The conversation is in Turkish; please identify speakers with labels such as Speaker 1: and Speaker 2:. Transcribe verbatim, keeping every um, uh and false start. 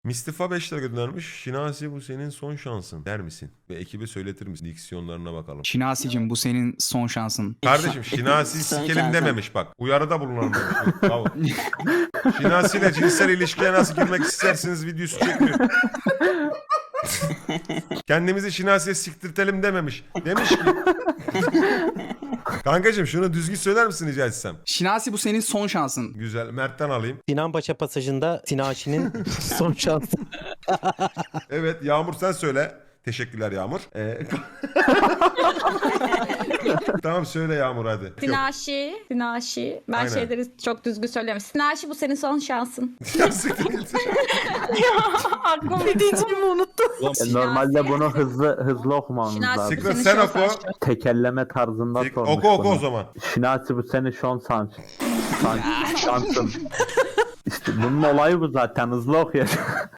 Speaker 1: Mistifa beş lira göndermiş. Şinasi bu senin son şansın der misin? Ve ekibe söyletir misin? Diksiyonlarına bakalım.
Speaker 2: Şinasi'cim bu senin son şansın.
Speaker 1: Kardeşim Şinasi
Speaker 3: Son
Speaker 1: sikelim
Speaker 3: şansın.
Speaker 1: dememiş bak. Uyarıda bulunalım demiş. Bravo. Şinasi ile cinsel ilişkiye nasıl girmek istersiniz videosu çekmiyor. Kendimizi Şinasi'ye siktirtelim dememiş. Demiş ki. Kankacığım şunu düzgün söyler misin rica etsem?
Speaker 2: Şinasi bu senin son şansın.
Speaker 1: Güzel. Mert'ten alayım.
Speaker 4: Sinan Paşa pasajında Sinaşi'nin son şansı.
Speaker 1: Evet Yağmur sen söyle. Teşekkürler Yağmur. Ee... Tamam söyle Yağmur hadi. Yok.
Speaker 5: Sinaşi, Sinaşi. Ben
Speaker 1: Aynen.
Speaker 5: şeyleri çok düzgün söylemiyorum. Sinaşi bu senin son şansın.
Speaker 1: Ya siktir git.
Speaker 5: Aklım ne diyeceğimi unuttum.
Speaker 6: E, Normalde bunu hızlı hızlı okumamız
Speaker 5: Şinasi
Speaker 6: lazım.
Speaker 5: bu
Speaker 1: Siktir
Speaker 5: senin
Speaker 1: sen
Speaker 5: son
Speaker 1: oku.
Speaker 5: şansın.
Speaker 6: Tekerleme tarzında
Speaker 1: Sik-
Speaker 6: sormuş
Speaker 1: Oku oku
Speaker 6: bunu.
Speaker 1: o zaman.
Speaker 6: Şinasi bu seni şon san. san şansın. İşte bunun olayı bu zaten hızlı okuyacak.